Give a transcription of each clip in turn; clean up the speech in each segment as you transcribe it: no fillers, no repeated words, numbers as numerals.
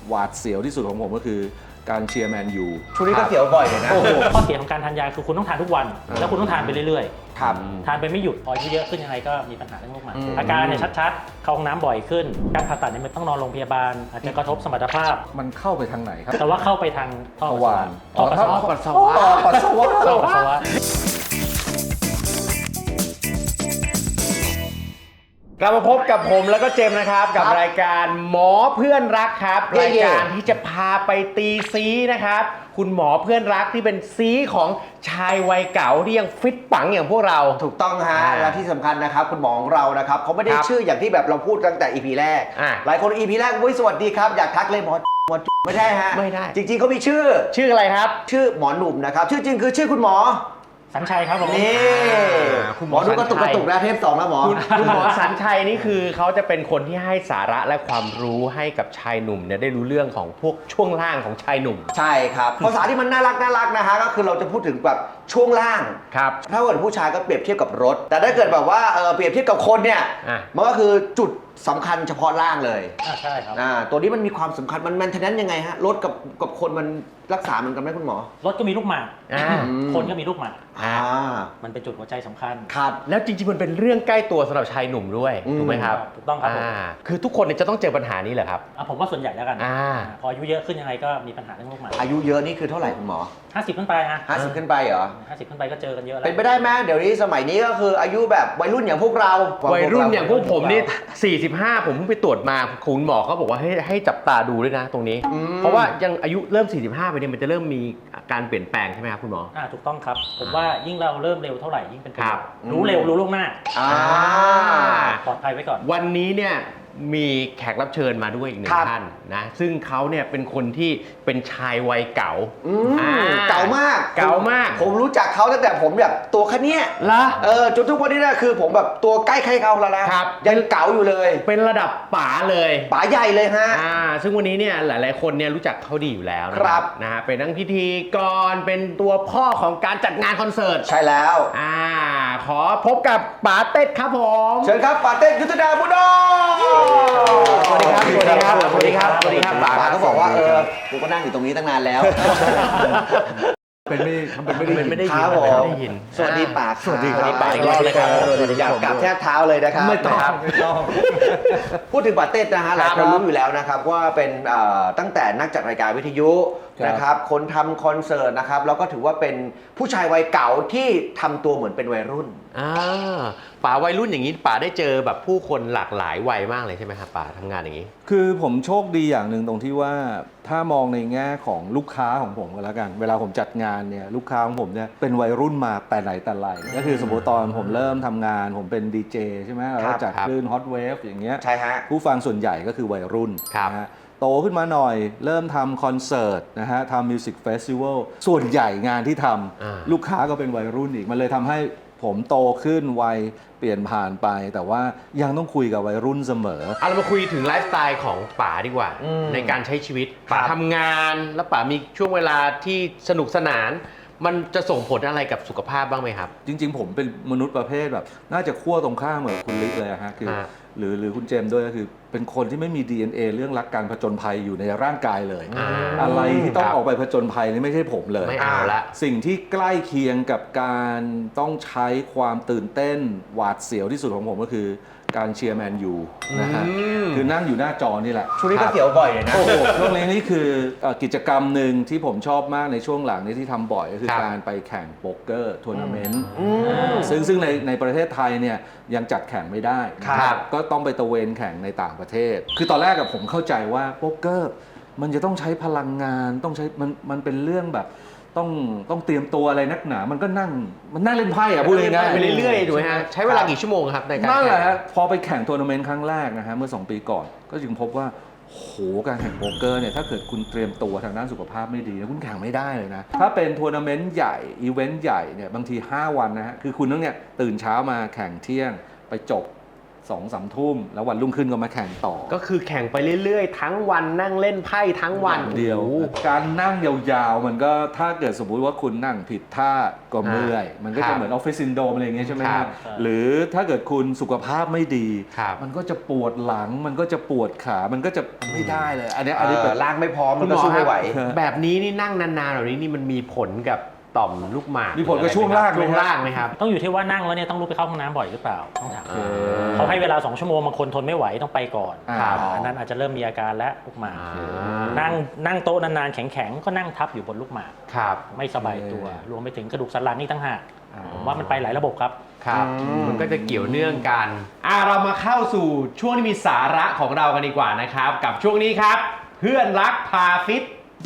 หวาดเสียวที่สุดของผมก็คือการเชียร์แมนยูช่วงนี้ก็เสียวบ่อยเลยนะข้อเสียของการทานยาคือคุณต้องทานทุกวัน แล้วคุณต้องทานไปเรื่อยครับๆ ทานไปไม่หยุดพออายุเยอะขึ้นยังไงก็มีปัญหาเรื่องโรคหมันอาการเนี่ยชัดๆ เข้าห้องน้ำบ่อยขึ้น การผ่าตัดเนี่ยมันต้องนอนโรงพยาบาล อาจจะกระทบสมรรถภาพมันเข้าไปทางไหนครับแต่ว่าเข้าไปทางท่อทปัสวาสาน วะท่อปัสสาวะปัสสาวะท่อปัสสาวะกลับมาพบกับผมแล้วก็เจมส์นะครับกับรายการหมอเพื่อนรักครับรายการที่จะพาไปตีซีนะครับคุณหมอเพื่อนรักที่เป็นซีของชายวัยเก่าที่ยังฟิตปังอย่างพวกเราถูกต้องฮะและที่สำคัญนะครับคุณหมอของเรานะครับเขาไม่ได้ครับชื่ออย่างที่แบบเราพูดตั้งแต่ EP แรก หลายคน EP แรกอุ้ยสวัสดีครับอยากทักเลยหมอไม่ได้ฮะไม่ได้จริงๆเขามีชื่อชื่ออะไรครับชื่อหมอหนุ่มนะครับชื่อจริงคือชื่อคุณหมอสัญชัยครับผมนี่คุณหหมมออดูกระตุกสัญชัยกระตุกนะเทป2แล้วหมอคุณหมอสัญชัยนี่คือเขาจะเป็นคนที่ให้สาระและความรู้ให้กับชายหนุ่มเนี่ยได้รู้เรื่องของพวกช่วงล่างของชายหนุ่มใช่ครับภาษาที่มันน่ารักนะฮะก็คือเราจะพูดถึงแบบช่วงล่างครับถ้าเกิดผู้ชายก็เปรียบเทียบกับรถ แต่ถ้าเกิดแบบว่าเปรียบเทียบกับคนเนี่ยอ่ะมันก็คือจุดสำคัญเฉพาะล่างเลยใช่ครับตัวนี้มันมีความสำคัญมันแมนเทนแนนซ์ยังไงฮะรถกับคนมันรักษามันกันไหมคุณหมอรถก็มีลูกหมากอ่าคนก็มีลูกหมากอ่ามันเป็นจุดหัวใจสำคัญครับแล้วจริงๆมันเป็นเรื่องใกล้ตัวสำหรับชายหนุ่มด้วยอืมถูกไหมครับถูกต้องครับผมคือทุกคนเนี่ยจะต้องเจอปัญหานี้เหรอครับผมว่าส่วนใหญ่แล้วกันอ่าพออายุเยอะขึ้นยังไงก็มีปัญหาเรื่องโรคหมันอายุเยอะนี่คือเท่าไหร่คุณหมอ 50 ขึ้นไปนะ 50 ขึ้นไปเหรอ 50 ขึ้นไปก็เจอกันเยอะแล้วเป็นไปได้ไหมเดี๋ยวนี้สมัยนี้ก็คืออายุแบบวัยรุ่นอย่างพวกเราวัยรุ่นอย่างพวกผมนี่ 45 ผมเพิ่งไปตรวจมาคุณหมอเขาบอกว่าให้จับตาดูด้วยนะตรงนี้ เพราะว่ายังอายุเริ่ม 45 ไปเนี่ยมันจะเริ่มมีการเปลี่ยนแปลงใช่ไหมครับคุณหมอถูกต้องครับ ผมว่ายิ่งเราเริ่มเร็วเท่าไหร่ยิ่งเป็นประโยชน์ครับรู้เร็วรู้ล่วงหน้าอ่าปลอดภัยไว้ก่อนวันนี้เนี่ยมีแขกรับเชิญมาด้วยอีกหนึ่ครังบท่านนะซึ่งเขาเนี่ยเป็นคนที่เป็นชายวัยเก่าเก่ามากเก่ามากผมรู้จักเขาตั้งแต่ผมแบบตัวแค่เนี้ยละจนทุกวันนี้นะคือผมแบบตัวใกล้ใครเขาแล้วนะครับ ยังเก๋าอยู่เลยเป็นระดับป๋าเลยป๋าใหญ่เลยฮะซึ่งวันนี้เนี่ยหลายๆคนเนี่ยรู้จักเขาดีอยู่แล้วนะครับ นะฮะเป็นทั้งพิธีกรเป็นตัวพ่อของการจัดงานคอนเสิร์ตใช่แล้วขอพบกับป๋าเต็ดครับผมเชิญครับป๋าเต้ยุทธดาบุญดมสวัสดีครับ สวัสดีครับ สวัสดีครับ สวัสดีครับป๋าป๋าก็บอกว่ากูก็นั่งอยู่ตรงนี้ตั้งนานแล้วเป็นไม่ได้ยินครับผมไม่ได้ยินสวัสดีป๋าสวัสดีป๋าอีกรอบเลยครับสวัสดีครับกราบแทบเท้าเลยนะครับไม่ต้องนะครับไม่ต้องพูดถึงป๋าเต้นะฮะหลายคนรู้อยู่แล้วนะครับว่าเป็นตั้งแต่นักจัดรายการวิทยุนะครับคนทำคอนเสิร์ตนะครับแล้วก็ถือว่าเป็นผู้ชายวัยเก่าที่ทำตัวเหมือนเป็นวัยรุ่นป๋าวัยรุ่นอย่างนี้ป๋าได้เจอแบบผู้คนหลากหลายวัยมากเลยใช่ไหมครับป๋าทำงานอย่างนี้คือผมโชคดีอย่างหนึ่งตรงที่ว่าถ้ามองในแง่ของลูกค้าของผมก็แล้วกัน เวลาผมจัดงานเนี่ยลูกค้าของผมเนี่ยเป็นวัยรุ่นมาแต่ไหนแต่ไรก็คือสมมติตอนผมเริ่มทำงานผมเป็นดีเจใช่ไหมแล้วก็จัดคลื่นฮอตเวฟอย่างเงี้ยใช่ฮะผู้ฟังส่วนใหญ่ก็คือวัยรุ่นครับนะฮะโตขึ้นมาหน่อยเริ่มทำคอนเสิร์ตนะฮะทำมิวสิกเฟสติวัลส่วนใหญ่งานที่ทำลูกค้าก็เป็นวัยรุ่นอีกมันเลยทำให้ผมโตขึ้นวัยเปลี่ยนผ่านไป แต่ว่ายังต้องคุยกับวัยรุ่นเสมอเรามาคุยถึงไลฟ์สไตล์ของป๋าดีกว่า ในการใช้ชีวิตป๋าทำงานแล้วป๋ามีช่วงเวลาที่สนุกสนาน มันจะส่งผลอะไรกับสุขภาพบ้างไหมครับจริงๆ ผมเป็นมนุษย์ประเภทแบบน่าจะขั้วตรงข้ามเหมือนคุณลิกเลยอะฮะคือหรือคุณเจมส์ด้วยก็คือเป็นคนที่ไม่มี DNA เรื่องรักการผจญภัยอยู่ในร่างกายเลย อะไรที่ต้องออกไปผจญภัยนี่ไม่ใช่ผมเลยไม่เอาละสิ่งที่ใกล้เคียงกับการต้องใช้ความตื่นเต้นหวาดเสียวที่สุดของผมก็คือการเชียร์แมนยูนะฮะคือนั่งอยู่หน้าจอนี่แหละช่วงนี้ก็เสียวบ่อยเลยนะโอ้โหช่วงนี้นี่คือกิจกรรมหนึ่งที่ผมชอบมากในช่วงหลังนี้ที่ทำบ่อยก็คือการไปแข่งโป๊กเกอร์ทัวร์นาเมนต์ซึ่งในประเทศไทยเนี่ยยังจัดแข่งไม่ได้ครับก็ต้องไปตะเวนแข่งในต่างประเทศ คือตอนแรกกับผมเข้าใจว่าโป๊กเกอร์มันจะต้องใช้พลังงานต้องใช้มันเป็นเรื่องแบบต้องเตรียมตัวอะไรนักหนามันก็นั่งเล่นไพ่อะพูดง่ายๆไปเรื่อยๆถูกไหมฮะใช้เวลากี่ชั่วโมงครับในการนั่นแหละแข่งฮะพอไปแข่งทัวร์นาเมนต์ครั้งแรกนะฮะเมื่อ2 ปีก่อนก็จึงพบว่าโหการแข่งโป๊กเกอร์เนี่ยถ้าเกิดคุณเตรียมตัวทางด้านสุขภาพไม่ดีนะคุณแข่งไม่ได้เลยนะถ้าเป็นทัวร์นาเมนต์ใหญ่อีเวนต์ใหญ่เนี่ยบางที5 วันนะฮะคือคุณต้องเนี่ยตื่นเช้ามาแข่งเที่ยงไปจบ 2-3 ทุ่มแล้ววันรุ่งขึ้นก็มาแข่งต่อก็คือแข่งไปเรื่อยๆ ทั้งวันนั่งเล่นไพ่ทั้งวันเดียวโอ้โหการนั่งยาวๆ มันก็ถ้าเกิดสมมุติว่าคุณนั่งผิดท่าก็เมื่อย มันก็ครัจะบเหมือนออฟฟิศซินโดรมอะไรอย่างเงี้ยใช่ไหมคครัรับ บหรือถ้าเกิดคุณสุขภาพไม่ดีครับมันก็จะปวดหลังมันก็จะปวดขามันก็จะไม่ได้เลย อันเนี้ยอันนี้เป็นร่างไม่พร้อมมันก็สู้ไม่ไหวแบบนี้นี่นั่งนานๆแบบนี้นี่มันมีผลกับต่อมลูกหมากมีผลกับช่วงล่างไหมช่วงล่างไหมครับต้องอยู่ที่ว่านั่งแล้วเนี่ยต้องลุกไปเข้าห้องน้ำบ่อยหรือเปล่าต้องถามโอเคเขาให้เวลา2 ชั่วโมงบางคนทนไม่ไหวต้องไปก่อนครับอันนั้นอาจจะเริ่มมีอาการและลูกหมากอ่านั่งโต๊ะนานๆแข็งๆก็นั่งทับอยู่บนลูกหมากครับไม่สบายตัว รวมไปถึงกระดูกสันหลังนี่ตั้งหากผมว่ามันไปหลายระบบครับครับ มันก็จะเกี่ยวเนื่องกันเรามาเข้าสู่ช่วงที่มีสาระของเรากันดีกว่านะครับ กับช่วงนี้ครับ เพื่อนรักพาฟิต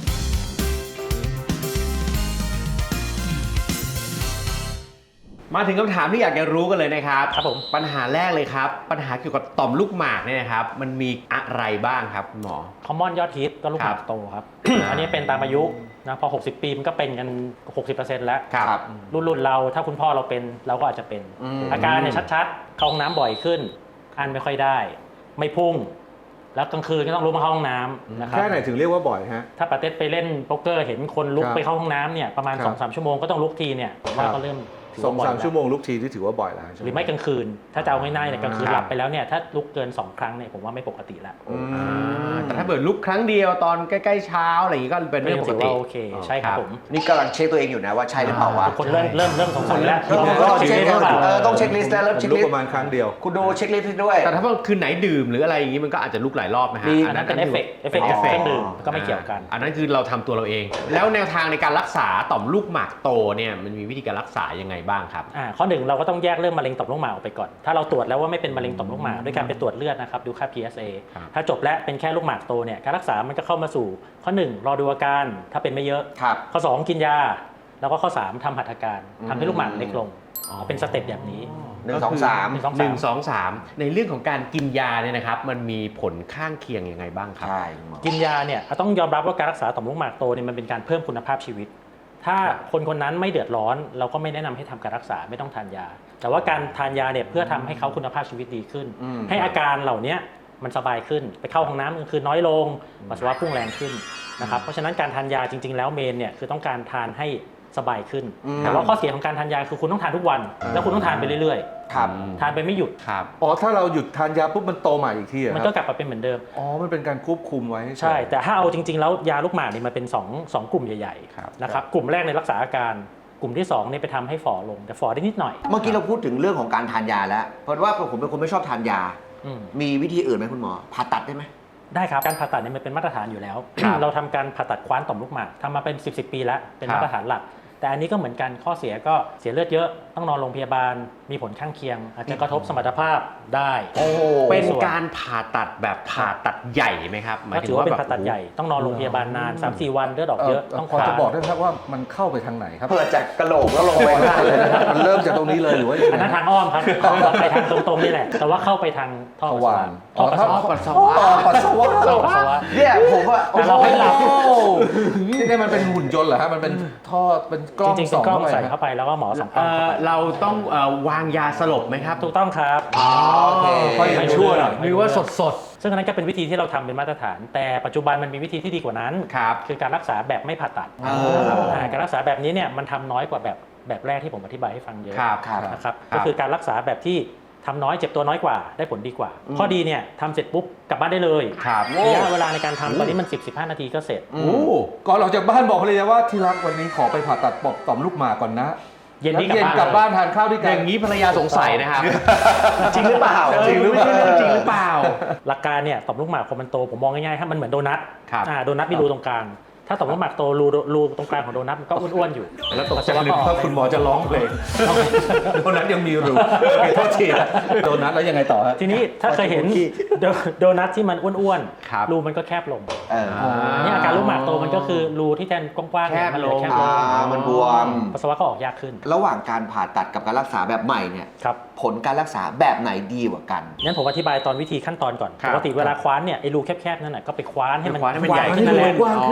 มาถึงคำถามที่อยากจะรู้กันเลยนะครับครับผมปัญหาแรกเลยครับ ปัญหาเกี่ยวกับต่อมลูกหมากเนี่ยนะครับ มันมีอะไรบ้างครับคุณหมอคอมมอนยอดฮิตก็ลูกหมากโตครับ อันนี้เป็นตามอายุนะพอ 60 ปีมันก็เป็นกัน 60%แล้วครับรุ่นเราถ้าคุณพ่อเราเป็นเราก็อาจจะเป็น อาการเนี่ยชัดๆ เข้าห้องน้ำบ่อยขึ้นอันไม่ค่อยได้ ไม่พุ่ง แล้วกลางคืนก็ต้องลุกมาเข้าห้องน้ำนะครับแค่ไหนถึงเรียกว่าบ่อยฮะถ้าปาเต้ไปเล่นโป๊กเกอร์เห็นคนลุกครับไปเข้าห้องน้ำเนี่ยประมาณครับ 2-3 ชั่วโมงก็ต้องลุกทีเนี่ยผมว่าครับก็เริ่มถือสองว่าบ่อยสามแล้วชั่วโมงลุกทีที่ถือว่าบ่อยแล้วใช่ไหมหรือไม่กลางคืน ถ้าจะเอาง่ายๆเนี่ยกลางคืนครับหลับไปแล้วเนี่ยถ้าลุกเกิน 2 ครั้งเนี่ยผมว่าไม่ปกติแล้วแต่ถ้าเกิดลุกครั้งเดียวตอนใกล้ๆเช้าอะไรอย่างนี้ก็เป็นเรื่องปกถือติว่าโอเคใช่ครับผมนี่กำลังเช็คตัวเองอยู่นะว่าใช่หรือเปล่าวะทุกคนเริ่มสงสัยแล้วต้องเช็คหรือเปล่าต้องเช็คลิสต์แล้วเริ่มผมเช็คลุกลิสประต์มาณครั้งเดียวคุณดูเช็คลิสต์ให้ด้วยแต่ถ้าว่าคืนไหนดื่มหรืออะไรอย่างนี้มันก็อาจจะลุกหลายรอบนะฮะมีอันนั้นเป็นเอฟเฟกต์จากเครื่องดื่มก็ไม่เกี่ยวกันอันนั้นคือเราทำตัวเราเอง แล้วแนวทางในการรักษาต่อมลูกหมากโตเนี่ยมันมีวิธีการรักษายังไงบ้างครับข้อหนึ่งเราก็ต้องแยกเรื่องมะเร็งต่อมลูกหมากออกไปก่อน ถ้าเราตรวจแล้วว่าไม่เป็นมะเร็งต่อมลูกหมากด้วยการไปตรวจเลือดนะครับดูค่า PSA ครับถ้าจบแล้วเป็นแค่ลูกหมากโตเนี่ยการรักษามันก็เข้ามาสู่ข้อ 1 รอดูอาการถ้าเป็นไม่เยอะครับข้อ 2 กินยา แล้วก็ข้อ 3ทำหัตถการทำให้ลูกหมากเล็กลงเป็นสเต็ปแบบนี้ 1 2 3 1 2 3ในเรื่องของการกินยาเนี่ยนะครับมันมีผลข้างเคียงยังไงบ้างครับใช่คุณหมอกินยาเนี่ยต้องยอมรับว่าการรักษาต่อมลูกหมากโตเนี่ยมันเป็นการเพิ่มคุณภาพชีวิต ถ้าคนคนนั้นไม่เดือดร้อนเราก็ไม่แนะนำให้ทำการรักษาไม่ต้องทานยา แต่ว่าการทานยาเนี่ยเพื่อทำให้เขาคุณภาพชีวิตดีขึ้น ให้อาการเหล่านี้มันสบายขึ้นไปเข้าห้องน้ำกลางคืนน้อยลงปัสสาวะพุ่งแรงขึ้นนะครับเพราะฉะนั้นการทานยาจริงๆแล้วเมนเนี่ยคือต้องการทานให้สบายขึ้น แต่ว่าข้อเสียของการทานยาคือคุณต้องทานทุกวัน แล้วคุณต้องทานไปเรื่อยครับๆ ทานไปไม่หยุดครับอ๋อถ้าเราหยุดทานยาปุ๊บมันโตใหม่อีกทีอะมันคก็รับกลับมาเป็นเหมือนเดิมอ๋อมันเป็นการควบคุมไว้ใช่ แต่ถ้าเอาจริงๆแล้วยาลูกหมากเนี่ยมันเป็นสองกลุ่มใหญ่ครับๆนะครับกลุ่มแรกในรักษาอาการกลุ่มที่2เนี่ยไปทำให้ฝ่อลงแต่ฝ่อได้นิดหน่อยเมื่อกี้เราพูดถึงเรื่องของการทานยาแล้ว เพราะว่าผมเป็นคนไม่ชอบทานยาอืมมีวิธีอื่นไหมคุณหมอ ผ่าตัดได้ไหมได้ครับการผ่าตัดเนี่ยมันเป็นมาตรฐานอยู่แล้ว เราทำการผ่าตัดคว้านต่อมลูกหมากทำมาเป็น 10 ปีแล้วเป็นมาตรฐานหลัก แต่อันนี้ก็เหมือนกันข้อเสียก็เสียเลือดเยอะต้องนอนโรงพยาบาลมีผลข้างเคียง อาจจะกระทบสมรรถภาพได้เป็นการผ่าตัดแบบผ่าตัดใหญ่ไหมครับหมายก็ถึถืงอว่าว่าเป็นแบบผ่าตัดใหญ่ต้องนอนโรงพยาบาลนาน 3-4 วันเลือดออกเยอะต้องพอจะผ่าบอกได้ไหมครับว่ามันเข้าไปทางไหนครับเปิดจากกระโหลกแล้วลงไปข้างล่างเลยนะครับมันเริ่มจากตรงนี้เลยหรือว่าอันนั้นทางอ้อมครับไปทางตรงๆนี่แหละ แต่ว่าเข้าไปทางท่อทปัสสาววาะรท่อปัสสาวะปัสสาวะปัสสาวะท่อปัสสาวะเนี่ยผมว่าแต่เราให้หลับนี่มันเป็นหุ่นยนต์เหรอฮะมันเป็นท่อเป็นกล้องจริงๆส่เป็องนกล้องเข้าไปใส่เข้าไปแล้วก็หมอส่องกล้องเข้าไปเราต้องวางยาสลบไหมครับถูกต้องครับโอเคค่อยยังชั่วหน่อยหรือว่าสดซึ่งอันนั้นก็เป็นวิธีที่เราทำเป็นมาตรฐาน แต่ปัจจุบันมันมีวิธีที่ดีกว่านั้นครับคือการรักษาแบบไม่ผ่าตัดการรักษาแบบนี้เนี่ยมันทำน้อยกว่าแบบแรกที่ผมอธิบายให้ฟังเยอะครับครับนะครับครับก็คือการรักษาแบบที่ทำน้อยเจ็บตัวน้อยกว่าได้ผลดีกว่า ข้อดีเนี่ยทำเสร็จปุ๊บกลับบ้านได้เลยครับระยะเวลาในการทำตอนนี้มัน 10-15 นาทีก็เสร็จโอ้ก่อนออกจากบ้านบอกภรรยาว่าที่รักวันนี้ขอไปผ่าตัดปอบต่อมลูกหมากก่อนนะเย็นนี้แล้วกลับบ้านทานข้าวด้วยอกันย่างนี้ภรรยาสงสัยนะครับจริงหรือเปล่าจริงหรือไม่ใช่เรื่องจริงหรือเปล่าหลักการเนี่ยต่อมลูกหมากพอมันโตผมมองง่ายๆถ้ามันเหมือนโดนัทครับโดนัทมีรูตรงกลางถ้าต่อมลูกหมากโตรูตรงกลางของโดนัทมันก็อ้วนๆอยู่แล้วตกใจนึกว่าคุณหมอจะร้องเพลงโดนัทยังมีรูโอเคโทษทีนะโดนัทแล้วยังไงต่อฮะทีนี้ถ้าเคยเห็นโดนัทที่มันอ้วนครับรูมันก็แคบลงเออนี่อาการลูกหมากโตมันก็คือรูที่แทนกว้างๆเนี่ยมันเลยแคบลงมันบวมปัสสาวะก็ออกยากขึ้นระหว่างการผ่าตัดกับการรักษาแบบใหม่เนี่ยครับผลการรักษาแบบไหนดีกว่ากันงั้นผมอธิบายตอนวิธีขั้นตอนก่อนครับปกติเวลาคว้านเนี่ยไอ้รูแคบๆนั่นน่ะก็ไปคว้านให้มันคว้านให้มันใหญ่ขึ้นนั่นแหละกว้างขึ้นโดย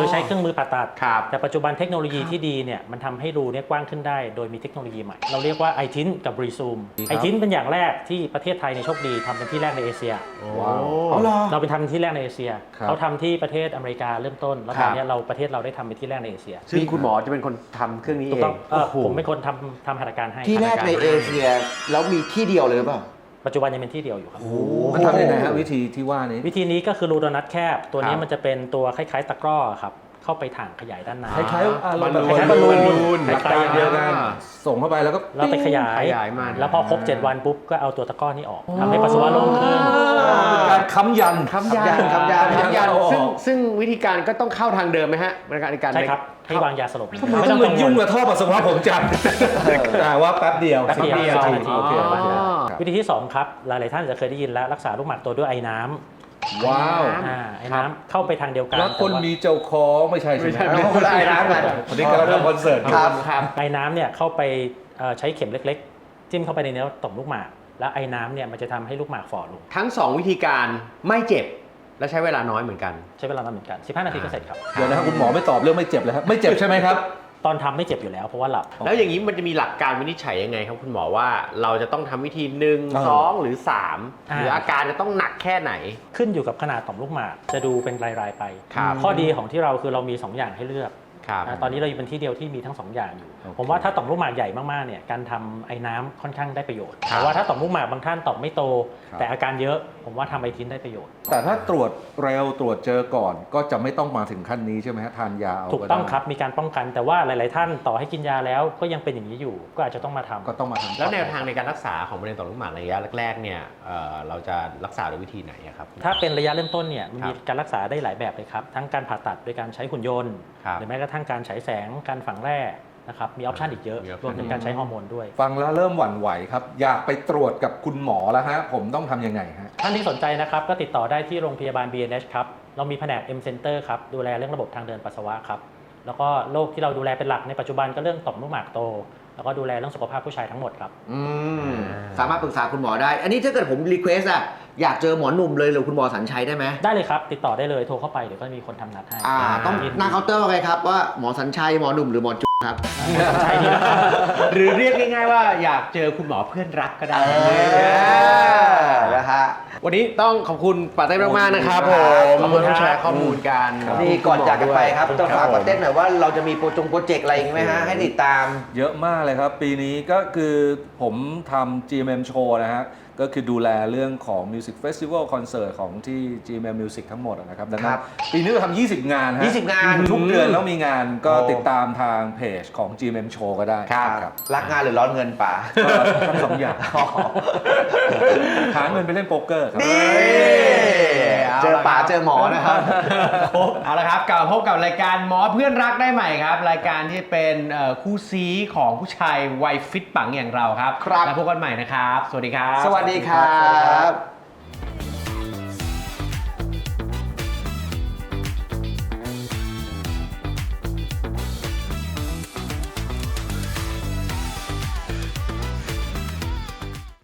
ใช้เครื่องมือผ่าตัดครับแต่ปัจจุบันเทคโนโลยีที่ดีเนี่ยมันทำให้รูเนี่ยกว้างขึ้นได้โดยมีเทคโนโลยีใหม่ เราเรียกว่าไอทินกับรีซูมครับไอทินเป็นอย่างแรกที่ประเทศไทยในยโชคดีทำเป็นที่แรกในเอเชียว้าวเอาเหรอเราไปทำเป็นที่แรกในเอเชียครับเขาทำที่ประเทศอเมริกาเริ่มต้น แล้วตอนเนี้ยเราประเทศเราได้ทำเป็นที่แรกในเอเชียซึ่งคุณหมอจะเป็นคนทำเครื่องนี้ถูเอกต้องงผมเป็นคนทำหัตถการให้ที่แรกหัตถาในเอเชียแล้วมีที่เดียวเลยหรือเปล่าปัจจุบันยังเป็นที่เดียวอยู่ครับมันทำยังไงฮะวิธีที่ว่านี้วิธีนี้ก็คือรูโดนัทแคบ ตัวนี้ครับมันจะเป็นตัวคล้ายๆตะกร้อครับเข้าไปถังขยายด้านในคล้ายๆอารมณ์แบบบอลลูนหลักการเดียวกันส่งเข้าไปแล้วก็แล้วไปขยายขยายมันแล้วพอครบ 7 วันปุ๊บก็เอาตัวตะกร้อนี้ออกทำให้ปัสสาวะโล่งขึ้นเป็นการค้ำยันคำยันคำยันคำยันโอ้โหซึ่งวิธีการก็ต้องเข้าทางเดิมไหมฮะในการใช่ครับ ให้วางยาสลบทำไมต้องมายุ่งกับท่อปัสสาวะผมจังว่าแป๊บเดียวแป๊บเดียว 10 10 นาทีโอเคอ๋อแป๊บเดียวครับวิธีที่ 2 ครับ หลายๆท่านจะเคยได้ยินแล้วรักษาลูกหมากโตด้วยไอ้น้ำว้าวไอ้น้ำเข้าไปทางเดียวกันแล้วคนแต่ว่ามีเจ้าของไม่ใช่ใช่ไหมไม่ใช่คนละไอ้น้ำกันวันนี้กำลังทำคอนเสิร์ตอยู่ครับไอ้น้ำเนี่ยเข้าไปใช้เข็มเล็กๆ จิ้มเข้าไปในเนื้อต่อมลูกหมาก แล้วไอ้น้ำเนี่ยมันจะทำให้ลูกหมากฝ่อลงทั้ง 2 วิธีการไม่เจ็บและใช้เวลาน้อยเหมือนกันใช้เวลานานเหมือนกัน 15 นาทีก็เสร็จครับเดี๋ยวนะครับคุณหมอไม่ตอบเรื่องไม่เจ็บเลยครับไม่เจ็บใช่ไหมครับตอนทำไม่เจ็บอยู่แล้วเพราะว่าหลับแล้วอย่างนี้มันจะมีหลักการวินิจฉัยยังไงครับคุณหมอว่าเราจะต้องทำวิธี 1 2 หรือ 3 หรืออาการจะต้องหนักแค่ไหนขึ้นอยู่กับขนาดต่อมลูกหมากจะดูเป็นรายๆไปครับข้อดีของที่เราคือเรามี 2 อย่างให้เลือกครับตอนนี้เราอยู่เป็นที่เดียวที่มีทั้ง 2 อย่างอยู่โอเคผมว่าถ้าต่อมลูกหมากใหญ่มากๆเนี่ยการทำไอ้น้ำค่อนข้างได้ประโยชน์ครับแต่ว่าถ้าต่อมลูกหมากบางท่านต่อมไม่โตครับแต่อาการเยอะผมว่าทำไอทินได้ประโยชน์แต่ถ้าตรวจเร็วตรวจเจอก่อนก็จะไม่ต้องมาถึงขั้นนี้ใช่ไหมฮะทานยาเอาถูกต้องได้ครับมีการป้องกันแต่ว่าหลาย ๆ ท่านต่อให้กินยาแล้วก็ยังเป็นอย่างนี้อยู่ ก็อาจจะต้องมาทำก็ต้องมาทำแล้วแนวทางในการรักษาของมะเร็งต่อมลูกหมากในระยะแรกๆเนี่ยเราจะรักษาด้วยวิธีไหนอะครับถ้าเป็นระยะเริ่มต้นเนี่ยมันมีครับการรักษาได้หลายแบบเลยครับทั้งการผ่าตัดโดยการใช้หุ่นยนต์ครับหรือแม้กระทั่งการฉายแสงการฝังแร่นะครับมีออปชันอีกเยอะมี option รวมถึงการใช้ฮอร์โมนด้วยฟังแล้วเริ่มหวั่นไหวครับ อยากไปตรวจกับคุณหมอแล้วฮะผมต้องทำยังไงฮะท่านที่สนใจนะครับก็ติดต่อได้ที่โรงพยาบาล BNH ครับเรามีแผนก M Center ครับดูแลเรื่องระบบทางเดินปัสสาวะครับแล้วก็โรคที่เราดูแลเป็นหลักในปัจจุบันก็เรื่องต่อมลูกหมากโต แล้วก็ดูแลเรื่องสุขภาพผู้ชายทั้งหมดครับสามารถปรึกษาคุณหมอได้ อันนี้ถ้าเกิดผมรีเควสอะอยากเจอหมอหนุ่มเลยหรือคุณหมอสัญชัยได้ไหมได้เลยครับติดต่อได้เลยโทรเข้าไปเดี๋ยวก็มีคนทำนัดให้ต้องยิดีหน้าเคาน์เตอร์ว่าไงครับว่าหมอสัญชัยหมอหนุ่มหรือหมอจุ๊ครับใช่นี่นะครับหรือเรียกง่ายๆว่าอยากเจอคุณหมอเพื่อนรักก็ได้นะฮะวันนี้ต้องขอบคุณปาเต้มากๆนะครับผมขอบคุณครับที่แชร์ข้อมูลกันนี่ก่อนจากกันไปครับขอบคุณจะครับฝากประเต้นหน่อยว่าเราจะมีโปรเจกต์อะไรอีกไหมฮะให้ติดตามเยอะมากเลยครับ ปีนี้ก็คือผมทำ GMM Show นะฮะ ก็คือดูแลเรื่องของ Music Festival Concert ของที่ GMM Music ทั้งหมดนะครับ ดังนั้ครันบปีนี้เราทำ20 งานฮะ 20 งานทุกเดือนแล้วมีงานก็โอ้ติดตามทางเพจของ GMM Show ก็ได้ครับรักงานหรือร้อนเงินป่าก็ทั้งสองอย่าง หาเงินไปเล่นโป๊กเกอร์ครับนี่เจอป่าเจอหมอนะครับเอาละครับกลับมาพบกับรายการหมอเพื่อนรักได้ใหม่ครับ รายการที่เป็นคู่ซีของผู้ชายวัยฟิตปังอย่างเราครับครับแล้วพบกันใหม่นะครับ สวัสดีครับสวัสดีครับ